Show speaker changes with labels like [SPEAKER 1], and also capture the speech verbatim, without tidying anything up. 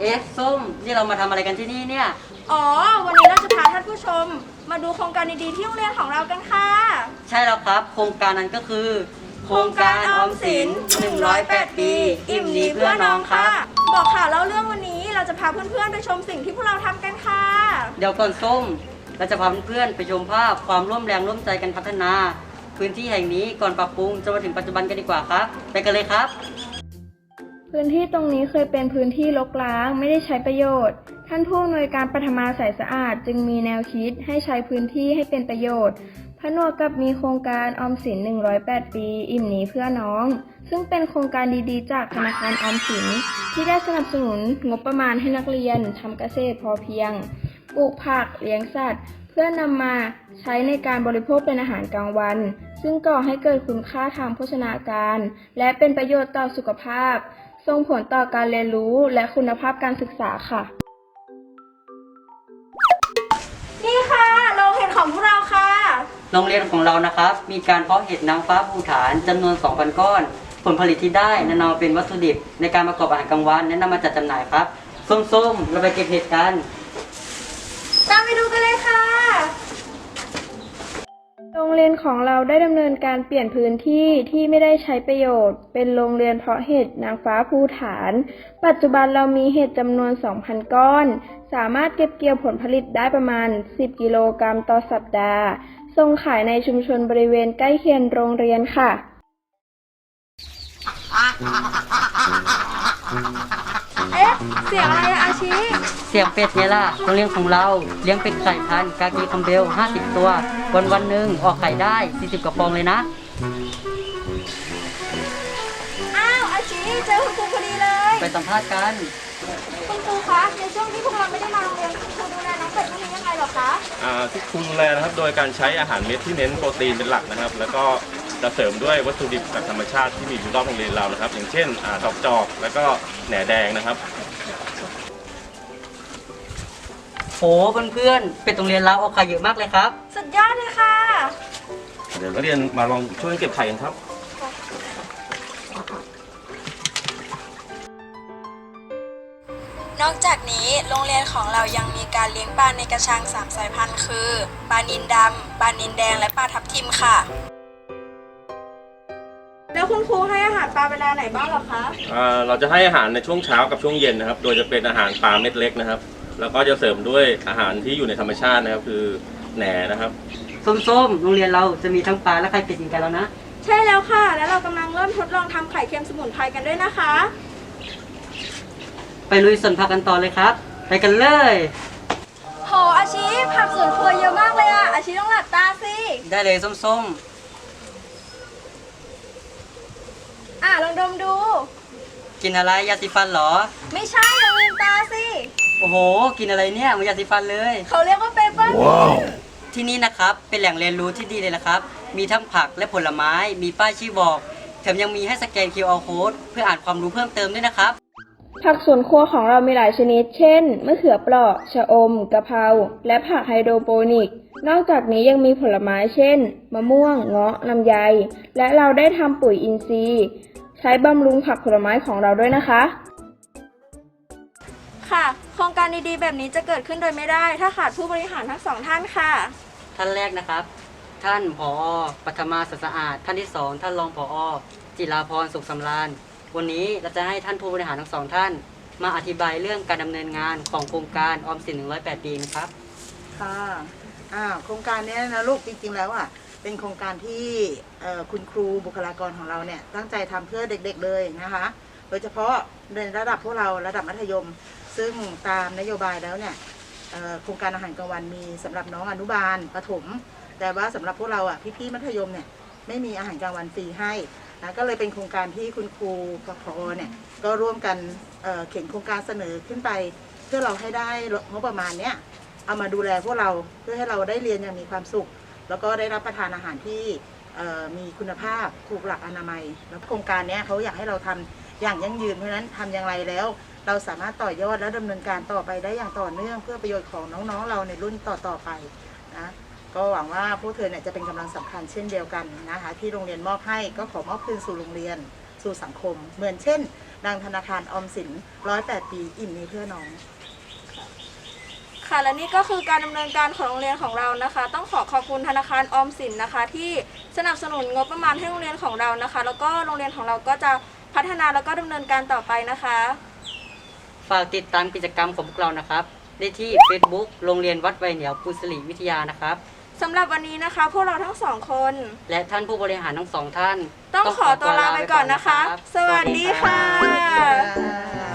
[SPEAKER 1] อ๊ะส้มนี่เรามาทำอะไรกันที่นี่เนี่ย
[SPEAKER 2] อ๋อวันนี้เราจะพาท่านผู้ชมมาดูโครงการดีๆที่โรงเรียนของเรากันค่ะ
[SPEAKER 1] ใช่แล้วครับโครงการนั้นก็คือโครงการออมสินหนึ่งร้อยแปดปีอิ่มดีเพื่อน้องค่ะ
[SPEAKER 2] บอกข่าวเล่าเรื่องวันนี้เราจะพาเพื่อนๆไปชมสิ่งที่พวกเราทำกันค่ะ
[SPEAKER 1] เดี๋ยวก่อนส้มเราจะพาเพื่อนๆไปชมภาพความร่วมแรงร่วมใจกันพัฒนา พื้นที่แห่งนี้ก่อนปรับปรุงจนมาถึงปัจจุบันกันดีกว่าครับไปกันเลยครับ
[SPEAKER 3] พื้นที่ตรงนี้เคยเป็นพื้นที่รกร้างไม่ได้ใช้ประโยชน์ท่านผู้อำนวยการปฐมาสายสะอาดจึงมีแนวคิดให้ใช้พื้นที่ให้เป็นประโยชน์ผนวกกับมีโครงการออมสินหนึ่งร้อยแปดปีอิ่มหนีเพื่อน้องซึ่งเป็นโครงการดีๆจากธนาคารออมสินที่ได้สนับสนุนงบประมาณให้นักเรียนทำเกษตรพอเพียงปลูกผักเลี้ยงสัตว์เพื่อนำมาใช้ในการบริโภคเป็นอาหารกลางวันซึ่งก่อให้เกิดคุณค่าทางโภชนาการและเป็นประโยชน์ต่อสุขภาพส่งผลต่อการเรียนรู้และคุณภาพการศึกษาค่ะ
[SPEAKER 2] นี่ค่ะโรงเห็ดของพวกเราค่ะ
[SPEAKER 1] โรงเรียนของเรานะครับมีการเพาะเห็ดนางฟ้าภูฐานจำนวน สองพัน ก้อนผลผลิตที่ได้นำมาเป็นวัตถุดิบในการประกอบอาหารกลางวันและนำมาจัดจำหน่ายครับส้มๆเราไปเก็บเห็ดกัน
[SPEAKER 2] ตามไปดูกันเลยค่ะ
[SPEAKER 3] โรงเรียนของเราได้ดำเนินการเปลี่ยนพื้นที่ที่ไม่ได้ใช้ประโยชน์เป็นโรงเรียนเพาะเห็ดนางฟ้าภูฐานปัจจุบันเรามีเห็ดจำนวน สองพัน ก้อนสามารถเก็บเกี่ยวผลผลิตได้ประมาณ สิบ กิโลกรัมต่อสัปดาห์ส่งขายในชุมชนบริเวณใกล้เคียงโรงเรียนค่ะ
[SPEAKER 2] เอ๊ะเสียงอะไรอาชี
[SPEAKER 1] เสียงเป็ดไงล่ะโรงเรียนของเราเลี้ยงเป็ดไข่พันธุ์กากีคัมเบลห้าสิบตัววันวันหนึ่งออกไข่ได้สี่สิบกว่าฟองเลยนะ
[SPEAKER 2] อ้าวอาชีเจอคุณครูพอดีเลย
[SPEAKER 1] ไปสัมภาษณ์กัน
[SPEAKER 2] คุณครูคะในช่วงที่พวกเราไม่ได้มาโรงเรียนคุณครูดูแลน้องเป็ดพวกนี้ยังไงหรอคะ
[SPEAKER 4] อ่าที่ครูดูแลนะครับโดยการใช้อาหารเม็ดที่เน้นโปรตีนเป็นหลักนะครับแล้วก็จะเสริมด้วยวัตถุดิบจากธรรมชาติที่มีอยู่รอบโรงเรียนเรานะครับอย่างเช่นดอกจอกแล้วก็แหน่แดงนะครับ
[SPEAKER 1] โหเพื่อนๆเป็ดโรงเรียนเราออกไข่เยอะมากเลยครับ
[SPEAKER 2] สุดยอดเลยค่ะ
[SPEAKER 4] เดี๋ยวนักเรียนมาลองช่วยเก็บไข่กันครับ
[SPEAKER 5] นอกจากนี้โรงเรียนของเรายังมีการเลี้ยงปลาในกระชังสามสายพันธุ์คือปลานิลดำปลานิลแดงและปลาทับทิมค่ะ
[SPEAKER 2] แล้วคุณครูให้อาหารปลาเวลาไหนบ้างหรอคะ
[SPEAKER 4] อ่าเราจะให้อาหารในช่วงเช้ากับช่วงเย็นนะครับโดยจะเป็นอาหารปลาเม็ดเล็กนะครับแล้วก็จะเสริมด้วยอาหารที่อยู่ในธรรมชาตินะครับคือแหน่นะครับ
[SPEAKER 1] ส้มๆโรงเรียนเราจะมีทั้งปลาและไข่เป็ดกันแล้วนะ
[SPEAKER 2] ใช่แล้วค่ะแล้วเรากำลังเริ่มทดลองทำไข่เค็มสมุนไพรกันด้วยนะคะ
[SPEAKER 1] ไปลุยสวนผักกันต่อเลยครับไปกันเลย
[SPEAKER 2] โหอาชีผักสวนครัวเยอะมากเลยอะอาชีต้องหลับตาสิ
[SPEAKER 1] ได้เลยส้ม
[SPEAKER 2] ๆอ่ะลองดมดู
[SPEAKER 1] กินอะไรยาสีฟันเหรอ
[SPEAKER 2] ไม่ใช่ลองลืมตาสิ
[SPEAKER 1] โอ้โหกินอะไรเนี่ยเหมือนยาสีฟันเลย
[SPEAKER 2] เขาเรียกว่าเปเปอร์
[SPEAKER 1] ที่นี่นะครับเป็นแหล่งเรียนรู้ที่ดีเลยนะครับมีทั้งผักและผลไม้มีป้ายชี้บอกแถมยังมีให้สแกน คิว อาร์ Code เพื่ออ่านความรู้เพิ่มเติมด้วยนะครับ
[SPEAKER 3] ผักสวนครัวของเรามีหลายชนิดเช่นมะเขือเปราะชะอมกะเพราและผักไฮโดรโปนิกนอกจากนี้ยังมีผลไม้เช่นมะม่วงเงาะลำไยและเราได้ทำปุ๋ยอินทรีย์ใช้บำรุงผักผลไม้ของเราด้วยนะคะ
[SPEAKER 2] ค่ะโครงการดีๆแบบนี้จะเกิดขึ้นโดยไม่ได้ถ้าขาดผู้บริหารทั้งสองท่านค่ะ
[SPEAKER 1] ท่านแรกนะครับท่านผอ.ปฐมาสะอาดท่านที่สองท่านรองผอ.จิราพรสุขสำราญวันนี้เราจะให้ท่านผู้บริหารทั้งสองท่านมาอธิบายเรื่องการดำเนินงานของโครงการออมสินหนึ่งร้อยแปดปีนะครับ
[SPEAKER 6] ค่ะอ่าโครงการนี้นะลูกจริงๆแล้วอ่ะเป็นโครงการที่คุณครูบุคลากรของเราเนี่ยตั้งใจทำเพื่อเด็กๆเลยนะคะโดยเฉพาะในระดับพวกเราระดับมัธยมซึ่งตามนโยบายแล้วเนี่ยโครงการอาหารกลางวันมีสำหรับน้องอนุบาลประถมแต่ว่าสำหรับพวกเราอ่ะพี่ๆมัธยมเนี่ยไม่มีอาหารกลางวันฟรีให้นะก็เลยเป็นโครงการที่คุณครูกับผอ.เนี่ยก็ร่วมกันเอ่อเขียนโครงการเสนอขึ้นไปเพื่อเราให้ได้งบประมาณเนี้ยเอามาดูแลพวกเราเพื่อให้เราได้เรียนอย่างมีความสุขแล้วก็ได้รับประทานอาหารที่มีคุณภาพถูกหลักอนามัยแล้วโครงการนี้เขาอยากให้เราทำอย่างยั่งยืนเพราะฉะนั้นทำอย่างไรแล้วเราสามารถต่อยอดและดำเนินการต่อไปได้อย่างต่อเนื่องเพื่อประโยชน์ของน้องๆเราในรุ่นต่อๆไปนะก็หวังว่าพวกเธอเนี่ยจะเป็นกำลังสำคัญเช่นเดียวกันนะคะที่โรงเรียนมอบให้ก็ขอมอบคืนสู่โรงเรียนสู่สังคม เหมือนเช่นดังธนาคารออมสินร้อยแปดปีอิ่มมีเพื่อน้อง
[SPEAKER 2] ค่ะและนี่ก็คือการดำเนินการของโรงเรียนของเรานะคะ ต้องขอขอบคุณธนาคารออมสินนะคะ ที่สนับสนุนงบประมาณให้โรงเรียนของเรานะคะ แล้วก็โรงเรียนของเราก็จะพัฒนาแล้วก็ดำเนินการต่อไปนะคะ
[SPEAKER 1] ฝากติดตามกิจกรรมของพวกเรานะครับได้ที่ Facebook โรงเรียนวัดไวเหนียวกุศลีวิทยานะครับ
[SPEAKER 2] สำหรับวันนี้นะคะ พวกเราทั้งสองคน
[SPEAKER 1] และท่านผู้บริหารทั้งสองท่าน
[SPEAKER 2] ต้องขอตัวลาไปก่อนนะคะ สวัสดีค่ะ
[SPEAKER 6] สวัสดีค่ะ